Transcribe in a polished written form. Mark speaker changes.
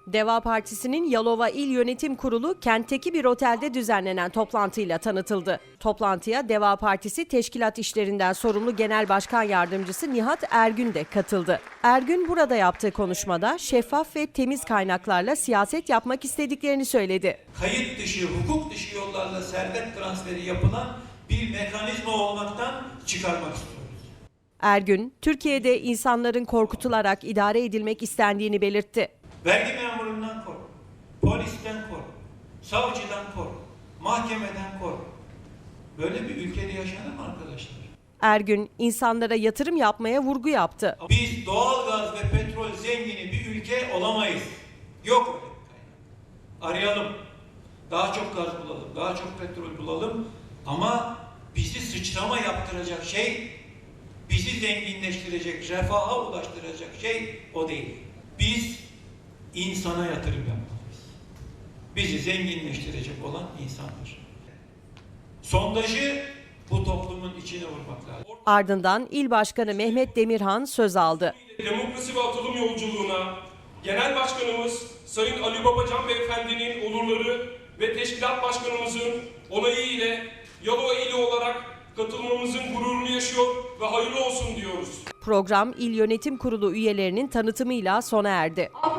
Speaker 1: Deva Partisi'nin Yalova İl Yönetim Kurulu kentteki bir otelde düzenlenen toplantıyla tanıtıldı. Toplantıya Deva Partisi Teşkilat İşlerinden sorumlu Genel Başkan Yardımcısı Nihat Ergün de katıldı. Ergün burada yaptığı konuşmada şeffaf ve temiz kaynaklarla siyaset yapmak istediklerini söyledi.
Speaker 2: Kayıt dışı, hukuk dışı yollarla servet transferi yapılan bir mekanizma olmaktan çıkarmak istiyoruz.
Speaker 1: Ergün, Türkiye'de insanların korkutularak idare edilmek istendiğini belirtti.
Speaker 2: Vergi memurundan kork, polisten kork, savcıdan kork, mahkemeden kork. Böyle bir ülkede yaşanır mı arkadaşlar?
Speaker 1: Ergün, insanlara yatırım yapmaya vurgu yaptı.
Speaker 2: Biz doğalgaz ve petrol zengini bir ülke olamayız. Yok öyle bir kaynak. Arayalım. Daha çok gaz bulalım, daha çok petrol bulalım. Ama bizi sıçrama yaptıracak şey, bizi zenginleştirecek, refaha ulaştıracak şey o değil. Biz insana yatırım yapmalıyız. Bizi zenginleştirecek olan insandır. Sondajı bu toplumun içine vurmak lazım.
Speaker 1: Ardından İl Başkanı Mehmet Demirhan söz aldı.
Speaker 3: Demokrasi ve atılım yolculuğuna Genel Başkanımız Sayın Ali Babacan Beyefendi'nin olurları ve Teşkilat Başkanımızın onayı ile Yalova ili olarak katılmamızın gururunu yaşıyor ve hayırlı olsun diyoruz.
Speaker 1: Program İl Yönetim Kurulu üyelerinin tanıtımıyla sona erdi.